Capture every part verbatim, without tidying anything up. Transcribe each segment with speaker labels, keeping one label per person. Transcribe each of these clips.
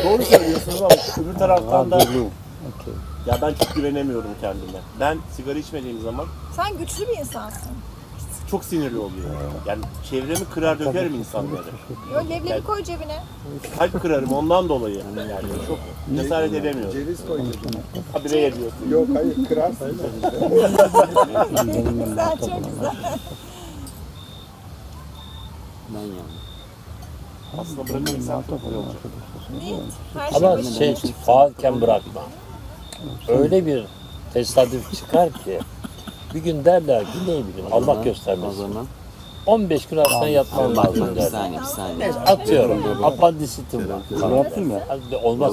Speaker 1: Doğru söylüyorsunuz ama öbür taraftan da ya ben çok güvenemiyorum kendime. Ben sigara içmediğim zaman
Speaker 2: Sen güçlü bir insansın.
Speaker 1: çok sinirli oluyor. Yani çevremi kırar dökerim insanları.
Speaker 2: Yo, leblebi koy cebine.
Speaker 1: Kalp kırarım ondan dolayı. Yani çok cesaret edemiyorum.
Speaker 3: Ceviz koyuyorsun.
Speaker 1: Habire ediyorsun.
Speaker 3: Yok hayır kırarsın.
Speaker 2: Güzel, çok güzel.
Speaker 4: Ben yani.
Speaker 1: Aslında bırakırsan çok iyi olacak.
Speaker 2: Niyet. Her şey
Speaker 5: Ama
Speaker 2: başına
Speaker 5: şey faalken bırakma. Öyle bir tesadüf çıkar ki bir gün derler ki ne bileyim Allah
Speaker 4: O
Speaker 5: göstermesin.
Speaker 4: zaman
Speaker 5: on beş gün hastaneye yatman
Speaker 4: bak
Speaker 5: lazım
Speaker 4: bak bir
Speaker 5: derler.
Speaker 4: saniye bir saniye.
Speaker 5: Neyse, atıyorum. Apandisitim var.
Speaker 6: Yaptın mı?
Speaker 5: Hadi olmaz.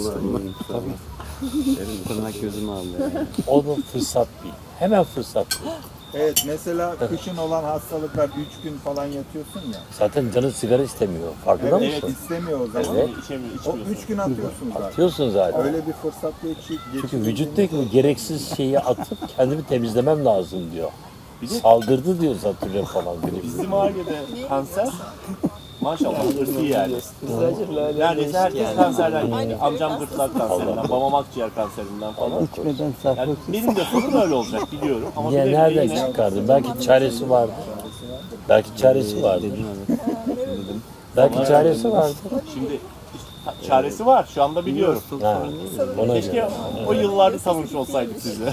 Speaker 4: Tırnak gözümü aldı yani.
Speaker 5: Onu fırsat bil. Hemen fırsat bil.
Speaker 3: Evet mesela kışın olan hastalıklar üç gün falan yatıyorsun ya.
Speaker 5: Zaten canın sigara istemiyor. Farkında
Speaker 3: Evet,
Speaker 5: mısın?
Speaker 3: istemiyor o zaman.
Speaker 5: Evet.
Speaker 1: İçemiyor,
Speaker 3: O
Speaker 1: içmiyorsun.
Speaker 3: üç gün atıyorsun zaten.
Speaker 5: Atıyorsun zaten.
Speaker 3: Öyle bir fırsat geçi,
Speaker 5: Çünkü vücuttaki bu gereksiz şeyi atıp kendimi temizlemem lazım diyor.
Speaker 1: Bir de
Speaker 5: Saldırdı diyor zatürre falan. Biri.
Speaker 1: bizim ailede kanser maşallah ırsi yani. Neredeyse herkes kanserden geliyor. Amcam gırtlak kanserinden, babam akciğer kanserinden falan.
Speaker 6: İçmeden
Speaker 1: Yani
Speaker 6: sarhoş.
Speaker 1: benim de sonum öyle olacak biliyorum. Ama
Speaker 5: Niye
Speaker 1: bile bile
Speaker 5: nereden
Speaker 1: yine-
Speaker 5: çıkardın? Belki çaresi vardı. Belki çaresi vardı.
Speaker 4: Dedim evet. Dedim.
Speaker 5: Belki çaresi vardı.
Speaker 1: Şimdi işte çaresi var şu anda biliyorum.
Speaker 5: Ha, ona
Speaker 1: Keşke
Speaker 5: göre.
Speaker 1: o yıllarda tanımış olsaydık sizi.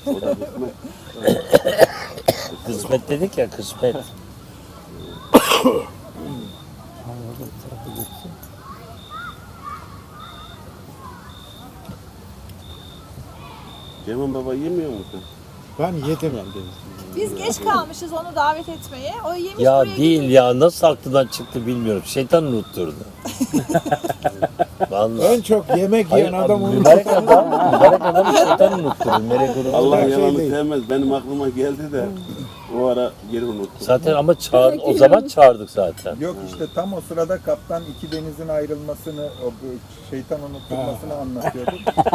Speaker 5: Kısmet dedik ya kısmet.
Speaker 7: Cemal Baba yemiyor musun?
Speaker 6: Ben yedim.
Speaker 2: Biz geç kalmışız onu davet etmeye. O yemiş
Speaker 5: Ya
Speaker 2: buraya
Speaker 5: değil
Speaker 2: gidiyor.
Speaker 5: ya nasıl aklından çıktı bilmiyorum. Şeytan unutturdu. Vallahi.
Speaker 6: En çok yemek yiyen
Speaker 5: Hayır,
Speaker 6: adam
Speaker 5: abi,
Speaker 6: onu.
Speaker 5: mübarek adam, mübarek adam şeytan unutturdu. Melek unutturdu.
Speaker 7: Allah
Speaker 6: şey
Speaker 7: yalanı
Speaker 6: değil.
Speaker 7: sevmez. Benim aklıma geldi de o ara geri unuttum.
Speaker 5: Zaten ama çağır, o zaman çağırdık zaten.
Speaker 3: Yok işte tam o sırada kaptan iki denizin ayrılmasını, o bu şeytan unutturmasını anlatıyordu.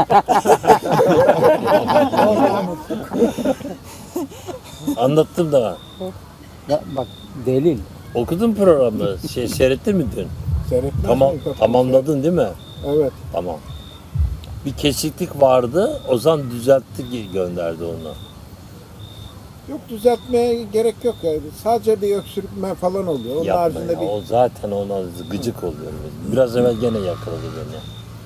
Speaker 5: Anlattım da.
Speaker 6: Ya bak delil.
Speaker 5: Okudun programı. Şey, seyrettin mi dün?
Speaker 6: Seyretmez
Speaker 5: Tamam,
Speaker 6: miyim kapıyı?
Speaker 5: tamamladın değil mi?
Speaker 6: Evet.
Speaker 5: Tamam. Bir kesiklik vardı. Ozan düzeltti gönderdi onu.
Speaker 6: Yok düzeltmeye gerek yok yani. Sadece bir öksürükme falan oluyor. Onun
Speaker 5: Yapma
Speaker 6: haricinde
Speaker 5: ya.
Speaker 6: bir
Speaker 5: O zaten ona gıcık oluyor. Biraz evvel gene yakaladı beni.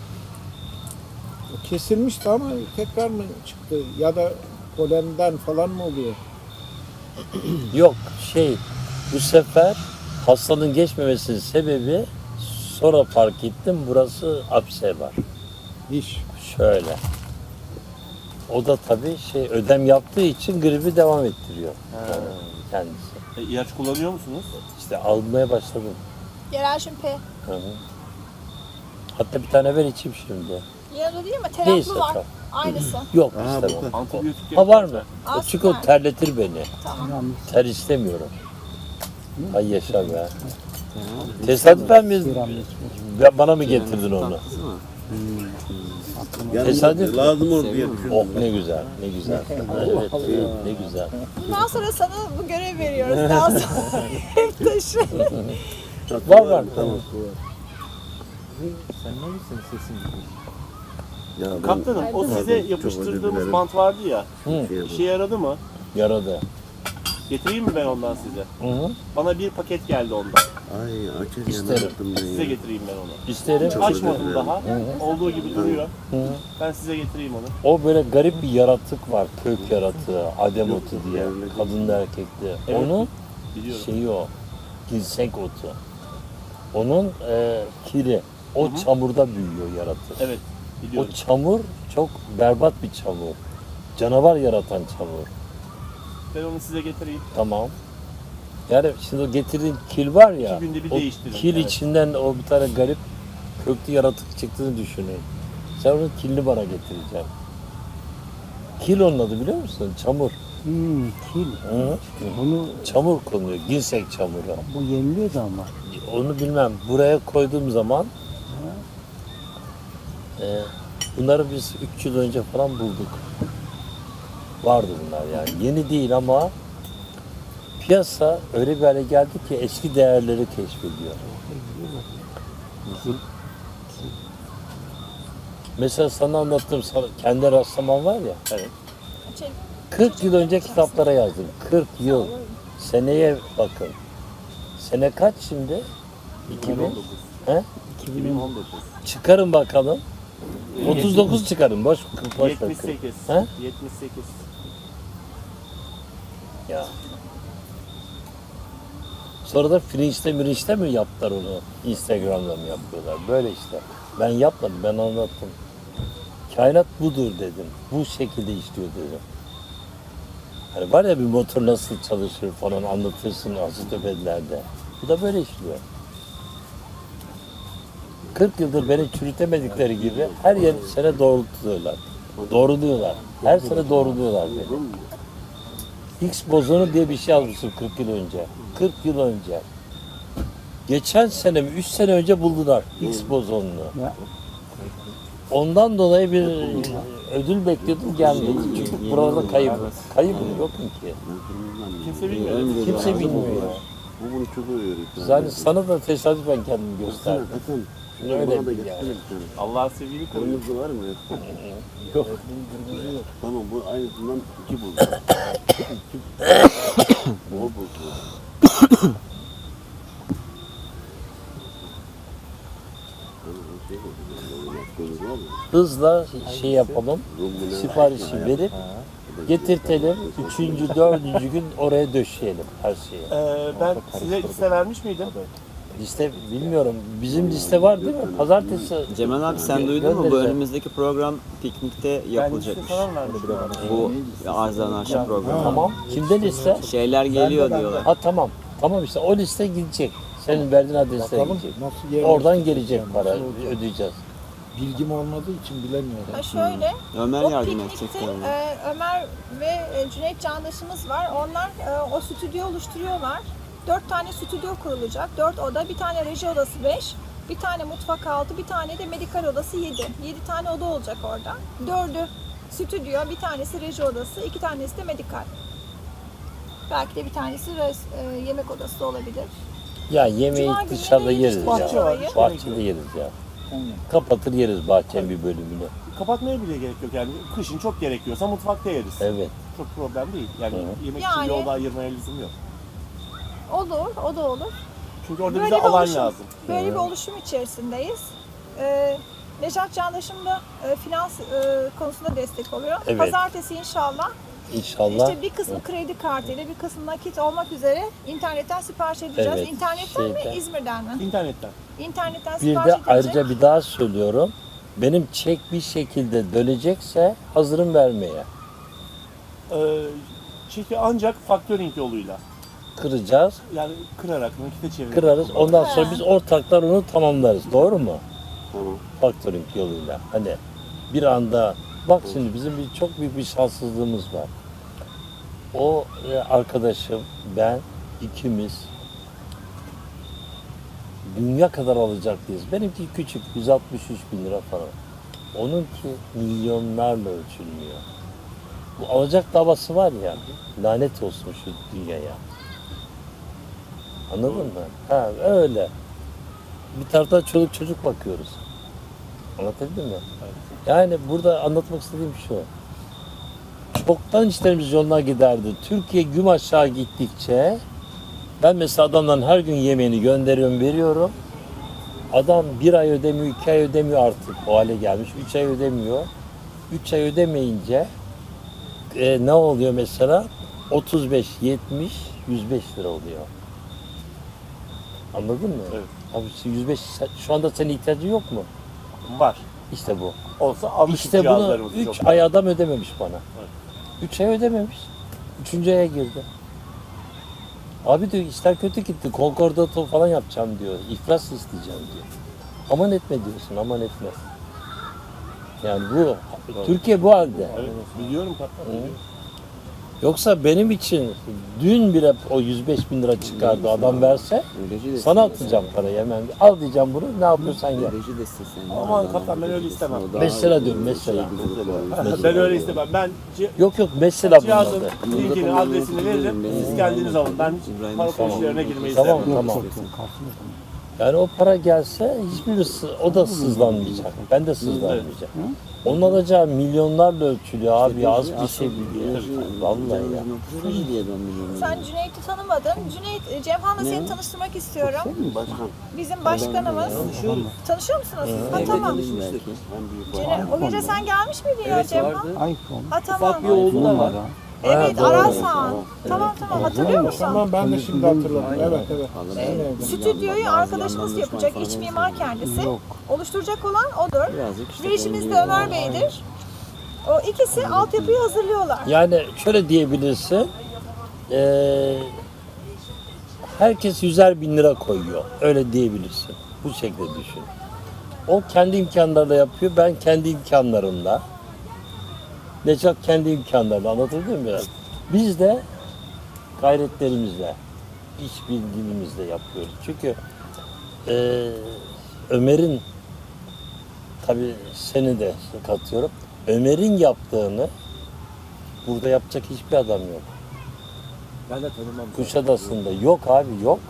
Speaker 6: kesilmişti ama tekrar mı çıktı? Ya da polenden falan mı oluyor?
Speaker 5: Yok şey bu sefer hastanın geçmemesinin sebebi sonra fark ettim burası apse var.
Speaker 6: Diş.
Speaker 5: Şöyle. O da tabii şey ödem yaptığı için gribi devam ettiriyor. Yani kendisi.
Speaker 1: E, ilaç kullanıyor musunuz?
Speaker 5: İşte almaya başladım.
Speaker 2: Yerel P.
Speaker 5: Hı hı. Hatta bir tane ver içeyim şimdi.
Speaker 2: Yanında değil mi?
Speaker 5: Neyse,
Speaker 2: Teraplı var.
Speaker 5: tamam.
Speaker 2: Aynısı.
Speaker 5: Yok
Speaker 7: Aa,
Speaker 5: istemem.
Speaker 7: burada.
Speaker 1: Antibiyotik
Speaker 5: Ha var mı?
Speaker 2: Aa,
Speaker 5: Çünkü o
Speaker 2: süper.
Speaker 5: terletir beni.
Speaker 2: Tamam.
Speaker 5: Ter istemiyorum. Ay yaşa be. Tesadüfen mi? Ya bana mı getirdin onu?
Speaker 4: Tatlısı mı?
Speaker 7: Yani
Speaker 5: Tesadüf.
Speaker 7: lazım olur diye
Speaker 5: Oh
Speaker 7: düşündüm.
Speaker 5: ne güzel, ne güzel. Evet, evet, ne güzel.
Speaker 2: Bundan sonra sana bu görev veriyoruz. Daha sonra hep taşı.
Speaker 5: Var var.
Speaker 7: Tamam.
Speaker 4: Sen ne misin sesin gibi?
Speaker 7: Ya ben
Speaker 1: Kaptanım o size
Speaker 7: Pardon, çok
Speaker 1: yapıştırdığımız
Speaker 7: özür dilerim.
Speaker 1: bant vardı ya.
Speaker 5: Hı,
Speaker 1: İşe yaradı mı?
Speaker 5: yaradı.
Speaker 1: Getireyim mi ben ondan size?
Speaker 5: Hı hı.
Speaker 1: Bana bir paket geldi ondan.
Speaker 7: ay açarken
Speaker 5: İsterim.
Speaker 7: yaptım ben
Speaker 1: Size
Speaker 7: ya.
Speaker 1: getireyim ben onu.
Speaker 5: İsterim.
Speaker 7: Çok özür
Speaker 1: Açmadım
Speaker 7: dilerim.
Speaker 1: daha. Olduğu gibi duruyor.
Speaker 5: Hı.
Speaker 1: Ben size getireyim onu.
Speaker 5: O böyle garip bir yaratık var, kök yaratığı, adem otu diye, kadınlı erkekli.
Speaker 1: Evet.
Speaker 5: Onun
Speaker 1: Biliyorum.
Speaker 5: şeyi o, ginseng otu. Onun e, kiri, o
Speaker 1: Hı hı.
Speaker 5: çamurda büyüyor yaratık.
Speaker 1: Evet. Biliyorum.
Speaker 5: O çamur çok berbat bir çamur. Canavar yaratan çamur.
Speaker 1: Ben onu size getireyim.
Speaker 5: Tamam. Yani şimdi o getirdiğin kil var ya,
Speaker 1: İki günde bir
Speaker 5: o
Speaker 1: değiştirin,
Speaker 5: kil
Speaker 1: evet.
Speaker 5: içinden o bir tane garip köklü yaratık çıktığını düşünün. Sen onun kilini bana getireceksin. Kil onun adı biliyor musun? Çamur.
Speaker 6: Hmm, kil.
Speaker 5: Hı?
Speaker 6: Bunu
Speaker 5: Çamur konuyor, ginseng çamuru.
Speaker 6: bu yeniliyordu ama.
Speaker 5: Onu bilmem. Buraya koyduğum zaman e, bunları biz üç yıl önce falan bulduk. Vardı bunlar yani. Yeni değil ama piyasa öyle bir hale geldi ki eski değerleri keşfediyor. Mesela sana anlattığım sana, kendi rastlaman var ya.
Speaker 1: Evet.
Speaker 2: Şey,
Speaker 5: kırk yıl önce kitaplara yazdım. kırk yıl. Seneye bakın. Sene kaç şimdi? iki bin. He?
Speaker 7: iki bin on dokuz.
Speaker 5: Çıkarın bakalım. otuz dokuz çıkarın. Boş, boş ver.
Speaker 1: yetmiş sekiz.
Speaker 5: He?
Speaker 1: yetmiş sekiz.
Speaker 5: Ya. Sonra da Fringe'de Mirinç'te mi yaptılar onu? Instagram'da mı yapıyorlar? Böyle işte. Ben yapmadım, ben anlattım. Kainat budur dedim. Bu şekilde işliyor dedim. Hani var ya bir motor nasıl çalışır falan anlatırsın Asitopedilerde. Bu da böyle işliyor. kırk yıldır beni çürütemedikleri gibi her yer sene doğrultuyorlar. Doğruluyorlar. Her sene doğruluyorlar beni. Higgs bozonu diye bir şey yazmışım kırk yıl önce. kırk yıl önce. Geçen sene mi, üç sene önce buldular Higgs bozonunu. Ondan dolayı bir ödül bekliyordum gelmedi. Çünkü burada kayıp. Kayıp yok ki.
Speaker 1: Kimse bilmiyor.
Speaker 5: Kimse bilmiyor ya.
Speaker 7: Bu bunu çok övüyor.
Speaker 5: Yani sana da tesadüfen kendimi gösterdim.
Speaker 7: Hakan.
Speaker 5: Öyle
Speaker 7: Bana da
Speaker 5: bir
Speaker 7: getirsene
Speaker 5: yani.
Speaker 7: bir tane.
Speaker 1: Allah'ın sevgili koruyor.
Speaker 7: Kırmızı var mı?
Speaker 5: Yok.
Speaker 7: Tamam bu aynısından iki buldu. O buldu.
Speaker 5: Hızla şey yapalım. Siparişi verip getirtelim. Üçüncü, dördüncü gün oraya döşeyelim her şeyi.
Speaker 1: Ee, ben size liste vermiş miydim?
Speaker 5: Liste bilmiyorum. Bizim liste var değil mi? Pazartesi.
Speaker 4: Cemal abi sen duydun mu? Bu
Speaker 5: Göndereceğim.
Speaker 4: önümüzdeki program piknikte
Speaker 1: Ben
Speaker 4: yapılacakmış.
Speaker 1: liste falan vermiştim.
Speaker 4: Bu Arzdan Arşa programı.
Speaker 5: Tamam. Kimde liste?
Speaker 4: Şeyler geliyor diyorlar.
Speaker 5: Ha tamam. Tamam işte o liste gidecek. Senin verdiğin adrese
Speaker 6: Bakalım
Speaker 5: gidecek.
Speaker 6: nasıl yer
Speaker 5: Oradan gelecek para. Ödeyeceğiz.
Speaker 6: Bilgim olmadığı için bilemiyorum.
Speaker 2: Ha şöyle,
Speaker 4: Ömer
Speaker 2: o
Speaker 4: yardım edecek
Speaker 2: piknikte
Speaker 4: galiba.
Speaker 2: e, Ömer ve e, Cüneyt Candaş'ımız var. Onlar e, o stüdyo oluşturuyorlar. Dört tane stüdyo kurulacak. Dört oda, bir tane reji odası beş, bir tane mutfak altı, bir tane de medikal odası yedi. Yedi tane oda olacak orada. Dördü stüdyo, bir tanesi reji odası, iki tanesi de medikal. Belki de bir tanesi res- e, yemek odası da olabilir.
Speaker 5: Ya yemeği
Speaker 2: Cuma günü
Speaker 5: dışarıda
Speaker 2: nereye
Speaker 5: yeriz
Speaker 2: gideceğiz?
Speaker 5: ya.
Speaker 1: Bahçe var.
Speaker 5: Bahçede yeriz ya. Kapatır yeriz bahçenin bir bölümünü.
Speaker 1: Kapatmaya bile gerek yok yani. Kışın çok gerekiyorsa mutfakta yeriz.
Speaker 5: Evet.
Speaker 1: Çok problem değil. Yani
Speaker 5: Hı.
Speaker 1: yemek
Speaker 2: Yani-
Speaker 1: için yolda ayırmaya lüzum yok.
Speaker 2: Olur, o da olur.
Speaker 1: Çünkü orada
Speaker 2: Böyle
Speaker 1: bize
Speaker 2: bir
Speaker 1: alan
Speaker 2: oluşum,
Speaker 1: lazım.
Speaker 2: Böyle bir oluşum içerisindeyiz. Ee, Necat Candaş'ım da e, finans e, konusunda destek oluyor.
Speaker 5: Evet.
Speaker 2: Pazartesi inşallah
Speaker 5: İnşallah.
Speaker 2: işte bir kısmı kredi kartıyla bir kısmı nakit olmak üzere internetten sipariş edeceğiz.
Speaker 5: Evet,
Speaker 2: İnternetten
Speaker 5: şeyden.
Speaker 2: mi İzmir'den mi?
Speaker 1: İnternetten.
Speaker 2: İnternetten
Speaker 5: Bir
Speaker 2: sipariş
Speaker 5: de
Speaker 2: edilecek.
Speaker 5: ayrıca bir daha söylüyorum. Benim çek bir şekilde dönecekse hazırım vermeye.
Speaker 1: Ee, çeki ancak factoring yoluyla.
Speaker 5: Kıracağız,
Speaker 1: Yani kırarak, nakite çevirip.
Speaker 5: kırarız. Ondan sonra
Speaker 2: Ha.
Speaker 5: biz ortaklar onu tamamlarız. Doğru mu?
Speaker 7: Tamam.
Speaker 5: Factoring yoluyla. Hani bir anda bak şimdi bizim bir çok büyük bir şanssızlığımız var. O e, arkadaşım, ben, ikimiz dünya kadar alacaklıyız. Benimki küçük, yüz altmış üç bin lira falan. Onunki milyonlarla ölçülmüyor. Bu alacak davası var ya, lanet olsun şu dünyaya. Anladın mı? Ha öyle. Bir taraftan çoluk çocuk bakıyoruz. Anlatabildim mi? Yani burada anlatmak istediğim şu. Çoktan işlerimiz yoluna giderdi. Türkiye güm aşağı gittikçe ben mesela adamdan her gün yemeğini gönderiyorum, veriyorum. Adam bir ay ödemiyor, iki ay ödemiyor artık. O hale gelmiş. Üç ay ödemiyor. Üç ay ödemeyince e, ne oluyor mesela? otuz beş, yetmiş, yüz beş lira oluyor. Anladın mı?
Speaker 1: Evet.
Speaker 5: Abi işte yüz beş, şu anda senin ihtiyacın yok mu?
Speaker 1: Var.
Speaker 5: İşte bu.
Speaker 1: Olsa almıştık
Speaker 5: İşte bunu
Speaker 1: cihazlarımızı
Speaker 5: üç
Speaker 1: çok.
Speaker 5: ay adam ödememiş bana.
Speaker 1: Evet.
Speaker 5: Üç ay ödememiş. Üçüncü aya girdi. Abi diyor işler kötü gitti. Konkordato falan yapacağım diyor. İflas isteyeceğim diyor. Aman etme diyorsun, aman etme. Yani bu, Türkiye bu halde.
Speaker 1: Evet, biliyorum kaptan. biliyorum.
Speaker 5: Yoksa benim için dün bile o yüz beş bin lira çıkardı adam verse
Speaker 4: Reji de
Speaker 5: sana
Speaker 4: istesen.
Speaker 5: atacağım parayı hemen. Al diyeceğim bunu, ne yapıyorsan yap.
Speaker 4: Reji de istesen.
Speaker 1: Aman kaptan, ben öyle istemem.
Speaker 5: Mesela diyorum, mesela.
Speaker 1: Ben öyle istemem. Ben ci-
Speaker 5: Yok yok mesela bunun
Speaker 1: cihazın
Speaker 5: adı.
Speaker 1: linkini, adresini veririm. Siz kendiniz alın. Ben hiç para
Speaker 4: Tamam.
Speaker 1: işlerine girmeyi
Speaker 5: Tamam
Speaker 1: istemem.
Speaker 5: tamam. Yani o para gelse hiçbir sı- o da sızlanmayacak. Ben de sızlanmayacağım. Onun alacağı milyonlarla ölçülüyor abi. Az bir şey biliyor. Vallahi ya.
Speaker 2: Sen Cüneyt'i tanımadın. Cüneyt, e, Cemhan'la seni tanıştırmak istiyorum. Bizim başkanımız. Tanışıyor musunuz? Ha tamam. Cüneyt, o gece sen gelmiş miydin ya Cemhan? Ha tamam.
Speaker 8: Bir oğlu da var.
Speaker 2: Evet, Arasan. Tamam tamam, hatırlıyor musun?
Speaker 6: Tamam ben de şimdi hatırladım. Evet evet.
Speaker 2: Ee, Stüdyoyu arkadaşımız yapacak, iç mimar kendisi. Oluşturacak olan odur. Rejimiz de Ömer Bey'dir. O ikisi altyapıyı hazırlıyorlar.
Speaker 5: Yani şöyle diyebilirsin. eee, herkes yüzer bin lira koyuyor. Öyle diyebilirsin. Bu şekilde düşün. O kendi imkanlarıyla yapıyor. Ben kendi imkanlarımla. Necat kendi imkanlarıyla. Anlatabildim mi? Biz de gayretlerimizle, iş bilgimizle yapıyoruz. Çünkü eee, Ömer'in, tabii seni de katıyorum. Ömer'in yaptığını burada yapacak hiçbir adam yok.
Speaker 8: Ben de tanımam.
Speaker 5: Kuşadası'nda yok abi, yok.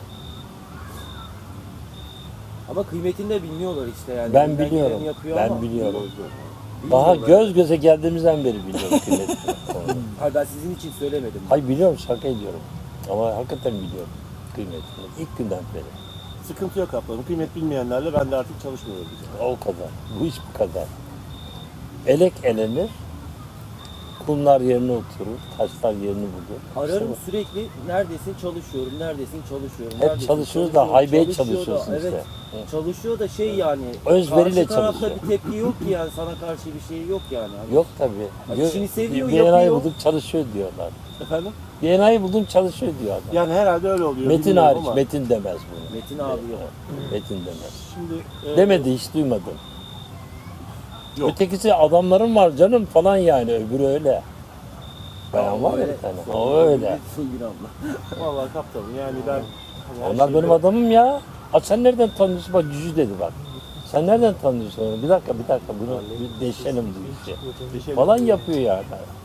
Speaker 8: Ama kıymetini de bilmiyorlar işte yani.
Speaker 5: Ben
Speaker 8: Elinden
Speaker 5: biliyorum.
Speaker 8: geleni yapıyor
Speaker 5: Ben
Speaker 8: ama
Speaker 5: biliyorum.
Speaker 8: bilmiyorlar.
Speaker 5: Daha göz göze geldiğimizden beri biliyorum kıymetini.
Speaker 8: Hayır, ben sizin için söylemedim.
Speaker 5: Hayır biliyorum, şaka ediyorum. Ama hakikaten biliyorum kıymetini. İlk günden beri.
Speaker 1: Sıkıntı yok kaptanım. Kıymet bilmeyenlerle ben de artık çalışmıyorum.
Speaker 5: O kadar. Bu iş bu kadar. Elek elenir. Kumlar yerine oturur. Taşlar yerini bulur.
Speaker 8: Ararım
Speaker 5: Sonra
Speaker 8: sürekli, neredesin çalışıyorum, neredesin çalışıyorum.
Speaker 5: Hep
Speaker 8: neredesin,
Speaker 5: çalışıyoruz da
Speaker 8: çalışıyorum,
Speaker 5: haybeye
Speaker 8: çalışıyor da,
Speaker 5: çalışıyorsun işte.
Speaker 8: Evet, çalışıyor da şey yani.
Speaker 5: Özveriyle
Speaker 8: karşı tarafta
Speaker 5: çalışıyor.
Speaker 8: bir tepki yok ki yani, sana karşı bir şey yok yani. Hani
Speaker 5: Yok tabii.
Speaker 8: Hani
Speaker 5: Gö-
Speaker 8: işini seviyor,
Speaker 5: bir enayi
Speaker 8: yapıyor.
Speaker 5: buldum çalışıyor diyorlar.
Speaker 1: Efendim?
Speaker 5: Bir enayi buldum çalışıyor diyor adam.
Speaker 1: Yani herhalde öyle oluyor.
Speaker 5: Metin
Speaker 1: bilmiyorum
Speaker 5: hariç,
Speaker 1: ama
Speaker 5: Metin demez bunu.
Speaker 8: Metin abi yok.
Speaker 5: Metin demez.
Speaker 1: Şimdi e,
Speaker 5: Demedi, hiç duymadım.
Speaker 1: Yok.
Speaker 5: Ötekisi adamların var canım falan yani, öbürü öyle. Bayan var ya bir tane, o öyle.
Speaker 8: Songül abla.
Speaker 1: vallahi kaptanım yani ben hani her
Speaker 5: Onlar
Speaker 1: şeyi
Speaker 5: benim
Speaker 1: de-
Speaker 5: adamım ya. Aa, sen nereden tanıyorsun? Bak Cücü dedi bak. Sen nereden tanıyorsun onu? Bir dakika, bir dakika, bunu bir deşelim bu işi.
Speaker 1: Deşelim.
Speaker 5: Falan yapıyor yani.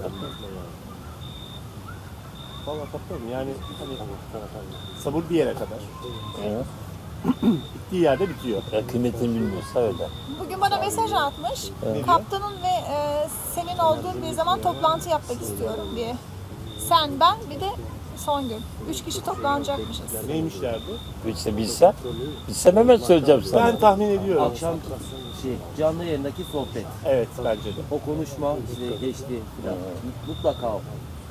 Speaker 1: Vallahi kaptanım yani hani sabır bir yere kadar.
Speaker 5: Hı.
Speaker 1: Bittiği yerde bitiyor.
Speaker 5: Ya kıymetini bilmiyorsa öyle.
Speaker 2: Bugün bana mesaj atmış. Kaptanın ve e, senin olduğun bir zaman toplantı yapmak istiyorum diye. Sen, ben, bir de Songül. Üç kişi toplanacakmışız.
Speaker 1: Neymiş derdi?
Speaker 5: İşte bilsem, bilsem hemen söyleyeceğim sana.
Speaker 1: Ben tahmin ediyorum.
Speaker 8: Akşam şey, canlı yayındaki sohbet.
Speaker 1: Evet bence de.
Speaker 8: O konuşma işte geçti filan. Mutlaka o.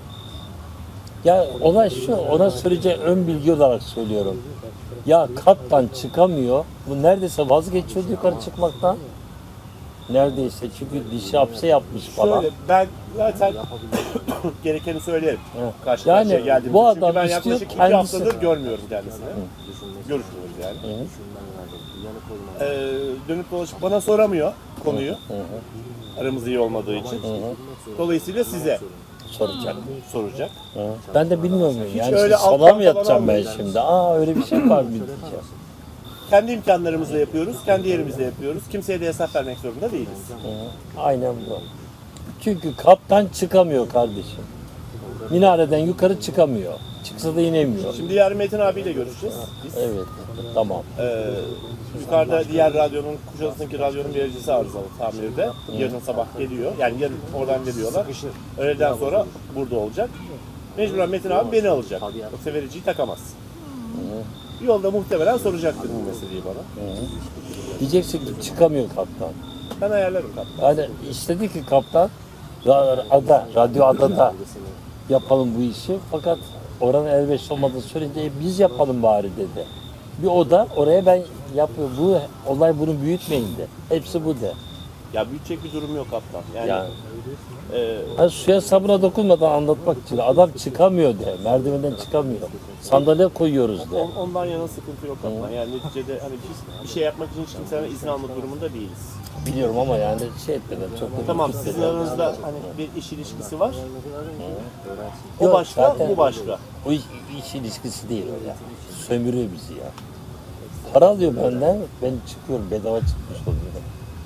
Speaker 5: Ya olay şu, ona söyleyeceğim ön bilgi olarak söylüyorum. Ya kattan çıkamıyor, bu neredeyse vazgeçiyordu yukarı çıkmaktan. Neredeyse, çünkü dişi hapse yapmış falan.
Speaker 1: Şöyle ben zaten gerekeni söylerim.
Speaker 5: Evet.
Speaker 1: Karşı
Speaker 5: Yani
Speaker 1: karşıya geldiğimizde.
Speaker 5: bu
Speaker 1: Çünkü
Speaker 5: adam
Speaker 1: ben
Speaker 5: istiyor,
Speaker 1: yaklaşık iki
Speaker 5: kendisi-
Speaker 1: haftadır görmüyorum kendisini. Görüşmüyoruz yani.
Speaker 5: Hı.
Speaker 1: Ee, dönüp dolaşıp bana soramıyor konuyu.
Speaker 5: Hı hı.
Speaker 1: Aramız iyi olmadığı için.
Speaker 5: Hı hı.
Speaker 1: Dolayısıyla size
Speaker 5: Soracak.
Speaker 1: soracak.
Speaker 5: Hı. Ben de bilmiyorum yani.
Speaker 1: öyle
Speaker 5: Sana
Speaker 1: alttan
Speaker 5: mı yatacağım
Speaker 1: falan
Speaker 5: ben
Speaker 1: almıyor
Speaker 5: şimdi? Aa öyle bir şey var mı diyeceğim.
Speaker 1: Kendi imkanlarımızla yapıyoruz, kendi yerimizde yapıyoruz. Kimseye de hesap vermek zorunda değiliz.
Speaker 5: Hı. Aynen bu. Çünkü kaptan çıkamıyor kardeşim. Minareden yukarı çıkamıyor. Çıksa da inemiyor.
Speaker 1: Şimdi yarın Metin abiyle görüşeceğiz. Biz.
Speaker 5: Evet, tamam.
Speaker 1: Ee, yukarıda diğer radyonun, Kuşadası'ndaki radyonun vericisi arızalı tamirde. Yarın sabah geliyor. Yani yarın oradan geliyorlar. Öğleden sonra burada olacak. Mecburen Metin abi beni alacak. Yoksa vericiyi takamaz. Yolda muhtemelen soracaktır bu meseleyi bana.
Speaker 5: Diyeceksin ki çıkamıyor kaptan.
Speaker 1: Ben ayarlarım kaptan.
Speaker 5: Yani istedi ki kaptan ra- ada, radyo adada yapalım bu işi. Fakat oranın elverişli olmadığını söyleyince "E, biz yapalım bari dedi. Bir oda oraya ben yapıyorum. Bu olay bunu büyütmeyin de. Hepsi bu de.
Speaker 1: Ya büyütecek bir durum yok kaptan. Yani,
Speaker 5: Yani
Speaker 1: e,
Speaker 5: hani suya sabuna dokunmadan anlatmak için adam çıkamıyor de. Merdivenden çıkamıyor. Sandalye koyuyoruz de.
Speaker 1: on- ondan yana sıkıntı yok kaptan. Yani neticede hani biz bir şey yapmak için hiç kimseden izin alma durumunda değiliz.
Speaker 5: Biliyorum ama yani şey etmeden çok da
Speaker 1: Tamam
Speaker 5: gitmeden.
Speaker 1: sizin aranızda hani bir iş ilişkisi var. O
Speaker 5: Yok,
Speaker 1: başka,
Speaker 5: zaten-
Speaker 1: bu başka.
Speaker 5: O iş, iş ilişkisi değil o ya. Sömürüyor bizi ya. Para alıyor benden, ben çıkıyorum, bedava çıkmış oluyorum.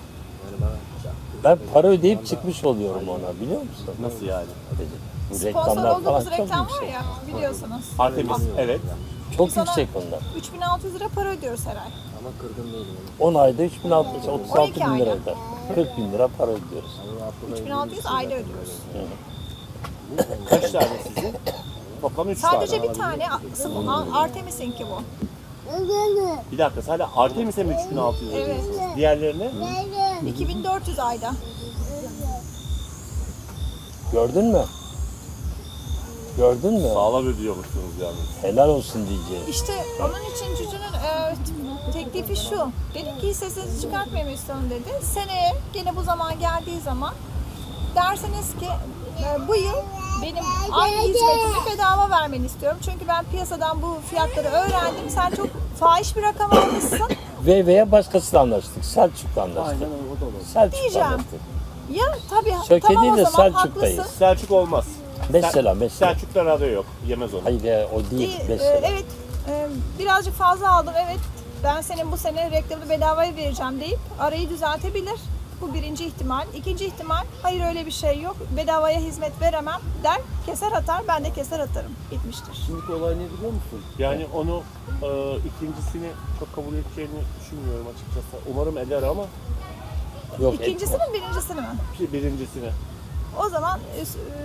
Speaker 5: Ben para ödeyip çıkmış oluyorum ona, biliyor musun?
Speaker 1: Nasıl yani?
Speaker 5: Bu
Speaker 2: Sponsor
Speaker 5: reklamlar falan
Speaker 2: olduğumuz
Speaker 5: çok
Speaker 2: reklam var
Speaker 5: yüksek.
Speaker 2: ya, biliyorsunuz.
Speaker 1: Artemis, evet.
Speaker 5: Çok
Speaker 2: Sana
Speaker 5: yüksek onlar.
Speaker 2: üç bin altı yüz lira para ödüyoruz her ay.
Speaker 8: Ama kırgın değilim.
Speaker 5: on ayda üç bin altı yüz, otuz
Speaker 2: on
Speaker 5: altı
Speaker 2: iki
Speaker 5: bin lira
Speaker 2: ayda.
Speaker 5: eder. kırk bin lira para ödüyoruz.
Speaker 2: üç bin altı yüz ayda ödüyoruz.
Speaker 1: Kaç tane sizin? Toplam üç tane.
Speaker 2: Sadece bir tane sıvı- Artemis'inki bu.
Speaker 1: Bir dakika sadece Artemis'e mi üç bin altı yüz
Speaker 2: Evet.
Speaker 1: ödüyorsunuz? Diğerlerine?
Speaker 2: iki bin dört yüz ayda.
Speaker 5: Gördün mü? Gördün mü?
Speaker 1: Sağlam ödüyormuşsunuz yani.
Speaker 5: Helal olsun diyeceğim.
Speaker 2: İşte onun için Cücü'nün e, teklifi şu. Dedi ki sesinizi çıkartmayın istiyorum dedi. Seneye gene bu zaman geldiği zaman derseniz ki e, bu yıl benim aynı hizmetimi bedava vermeni istiyorum. Çünkü ben piyasadan bu fiyatları öğrendim. Sen çok fahiş bir rakam almışsın.
Speaker 5: Ve veya başkasıyla anlaştık. Selçuk'la anlaştık.
Speaker 8: Aynen o da olur.
Speaker 5: Selçuk'la
Speaker 2: Diyeceğim.
Speaker 5: anlaştık.
Speaker 2: Ya tabii
Speaker 5: Söke
Speaker 2: tamam
Speaker 5: değil
Speaker 2: o
Speaker 5: de
Speaker 2: zaman
Speaker 5: Selçuk'tayız.
Speaker 2: haklısın.
Speaker 1: Selçuk olmaz.
Speaker 5: Mesela mesela.
Speaker 1: Selçuk'ta radyo yok. Yemez onu.
Speaker 5: Hayır ya, o değil.
Speaker 2: Değil, e,
Speaker 5: Mesela.
Speaker 2: evet e, birazcık fazla aldım evet ben senin bu sene reklamını bedavaya vereceğim deyip arayı düzeltebilir. Bu birinci ihtimal. İkinci ihtimal hayır öyle bir şey yok bedavaya hizmet veremem der keser atar ben de keser atarım bitmiştir.
Speaker 8: Şimdiki olay ne biliyor musun?
Speaker 1: Yani onu e, ikincisini çok kabul edeceğini düşünmüyorum açıkçası. Umarım eder ama
Speaker 5: Yok,
Speaker 2: İkincisi mi birincisini mi?
Speaker 1: bir- birincisini.
Speaker 2: O zaman e,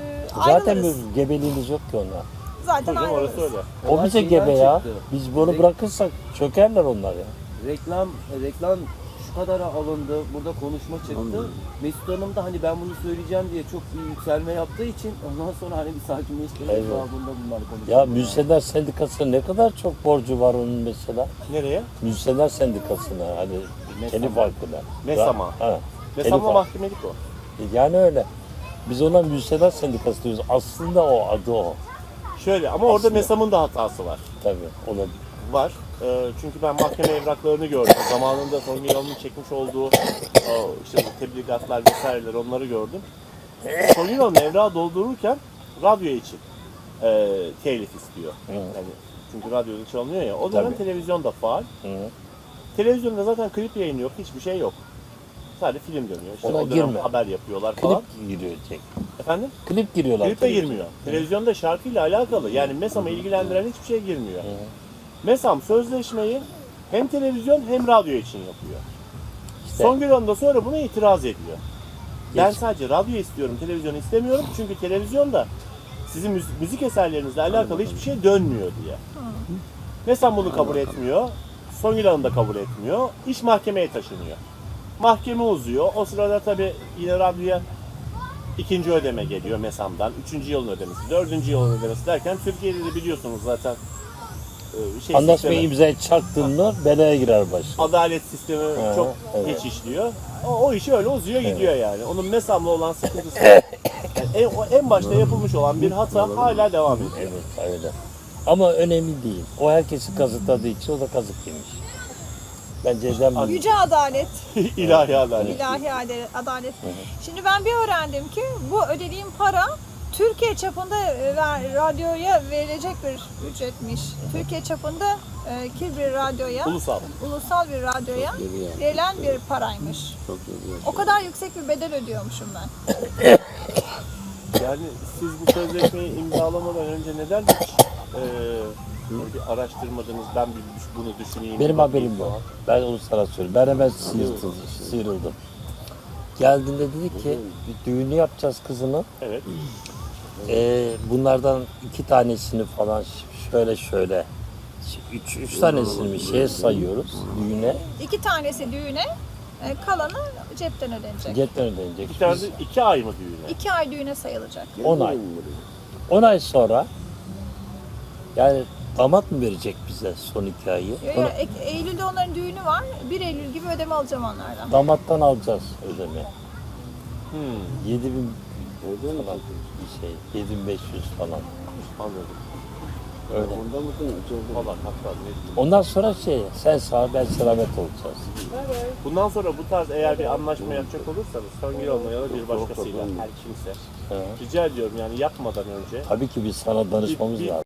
Speaker 5: zaten
Speaker 2: ayrılırız.
Speaker 5: bir gebeliğimiz yok ki ona.
Speaker 2: Zaten
Speaker 1: Hocam
Speaker 2: ayrılırız.
Speaker 1: orası öyle.
Speaker 5: O
Speaker 8: Olay
Speaker 5: bize
Speaker 8: şeyden
Speaker 5: gebe ya.
Speaker 8: çıktı.
Speaker 5: Biz bunu
Speaker 8: Rek-
Speaker 5: bırakırsak çökerler onlar ya.
Speaker 8: Reklam, reklam şu kadara alındı, burada konuşma çıktı. Mesut Hanım da hani ben bunu söyleyeceğim diye çok bir yükselme yaptığı için ondan sonra hani bir sakinleştirmek
Speaker 5: Evet.
Speaker 8: babında bunlar konuşuyor.
Speaker 5: Ya Müzisyenler Sendikası'na ne kadar çok borcu var onun mesela.
Speaker 1: Nereye?
Speaker 5: Müzisyenler Sendikası'na hani telif hakkına.
Speaker 1: Mesama.
Speaker 5: Ha, telif
Speaker 1: Mesela
Speaker 5: hakkı.
Speaker 1: mahkemelik o.
Speaker 5: Yani öyle. Biz ona Müzisyenler Sendikası diyoruz. Aslında o adı o.
Speaker 1: Şöyle ama orada MESAM'ın da hatası var.
Speaker 5: Tabii olabilir.
Speaker 1: Var. Ee, çünkü ben mahkeme evraklarını gördüm. Zamanında Songül Hanım'ın çekmiş olduğu o, işte bu tebligatlar vesaireler onları gördüm. Songül Hanım evrağı doldururken radyo için e, telif istiyor. Yani, çünkü radyoda çalınıyor ya. O dönem
Speaker 5: Tabii.
Speaker 1: televizyon da faal.
Speaker 5: Hı.
Speaker 1: Televizyonda zaten klip yayını yok. Hiçbir şey yok. Sadece film dönüyor. İşte
Speaker 5: Ona
Speaker 1: o dönem
Speaker 5: girme.
Speaker 1: haber yapıyorlar falan.
Speaker 5: Klip giriyor tek.
Speaker 1: Efendim?
Speaker 5: Klip giriyorlar.
Speaker 1: Klip de
Speaker 5: tabii.
Speaker 1: girmiyor. Televizyonda şarkıyla alakalı. Yani MESAM'ı ilgilendiren hiçbir şey girmiyor. MESAM sözleşmeyi hem televizyon hem radyo için yapıyor.
Speaker 5: İşte
Speaker 1: Songül Hanım da sonra buna itiraz ediyor. Ben
Speaker 5: Geç.
Speaker 1: sadece radyo istiyorum, televizyon istemiyorum. Çünkü televizyonda sizin müzik, müzik eserlerinizle alakalı hiçbir şey dönmüyor diye. MESAM bunu kabul etmiyor. Songül Hanım da kabul etmiyor. İş mahkemeye taşınıyor. Mahkeme uzuyor. O sırada tabii yine radyoya ikinci ödeme geliyor MESAM'dan. Üçüncü yılın ödemesi, dördüncü yılın ödemesi derken Türkiye'de de biliyorsunuz zaten e, şey
Speaker 5: anlaşmayı
Speaker 1: sistemi-
Speaker 5: imzaya çaktın mı belaya girer baş.
Speaker 1: adalet sistemi
Speaker 5: Hı,
Speaker 1: çok
Speaker 5: evet.
Speaker 1: geç işliyor. O, o işi öyle uzuyor gidiyor yani. Onun MESAM'la olan sıkıntısı yani en, o en başta yapılmış olan bir hata hala devam ediyor.
Speaker 5: Evet öyle. Ama önemli değil. O herkesi kazıkladığı için o da kazık yemiş. Bence eden bir
Speaker 2: Yüce adalet.
Speaker 1: İlahi adalet.
Speaker 2: İlahi ade- adalet. Şimdi ben bir öğrendim ki bu ödediğim para Türkiye çapında e, ver- radyoya verilecek bir ücretmiş. Türkiye çapında e, ki bir radyoya,
Speaker 1: Ulusal.
Speaker 2: ulusal bir radyoya verilen bir paraymış.
Speaker 4: Çok iyi.
Speaker 2: O kadar yüksek bir bedel ödüyormuşum ben.
Speaker 1: Yani siz bu sözleşmeyi imzalamadan önce neden hiç e, bir araştırmadınız? Ben bir düş- bunu düşüneyim.
Speaker 5: benim
Speaker 1: bir bakayım
Speaker 5: haberim yok.
Speaker 1: falan.
Speaker 5: Ben onu sana söyleyeyim. Ben hemen sıyrıldım. sıyrıldım. Geldiğinde dedi ki bir düğünü yapacağız kızını.
Speaker 1: Evet.
Speaker 5: Ee, bunlardan iki tanesini falan şöyle şöyle üç, üç tanesini bir şeye sayıyoruz düğüne.
Speaker 2: İki tanesi düğüne, e, kalanı cepten ödenecek.
Speaker 5: Cepten ödenecek.
Speaker 1: Bir tane
Speaker 5: Biz
Speaker 1: de iki ay mı düğüne?
Speaker 2: İki ay düğüne sayılacak.
Speaker 5: on ay. on ay sonra yani damat mı verecek bize son iki ayı?
Speaker 2: Yo, yo,
Speaker 5: Onu
Speaker 2: Ek- Eylül'de onların düğünü var. bir Eylül gibi ödeme alacağım onlardan.
Speaker 5: damattan alacağız ödeme.
Speaker 1: Hmm,
Speaker 5: yedi bin falan bir şey. yedi bin beş yüz falan.
Speaker 1: anladım.
Speaker 5: Öyle.
Speaker 1: Valla hatta ne diyeyim.
Speaker 5: Ondan sonra şey sen sağ ben selamet olacağız.
Speaker 1: Bundan sonra bu tarz eğer bir anlaşma yapacak olursanız Songül Hanım'la ya da bir başkasıyla her kimse
Speaker 5: Ha.
Speaker 1: rica ediyorum yani yapmadan önce
Speaker 5: Tabii ki biz sana danışmamız
Speaker 1: Bir- bir-
Speaker 5: lazım.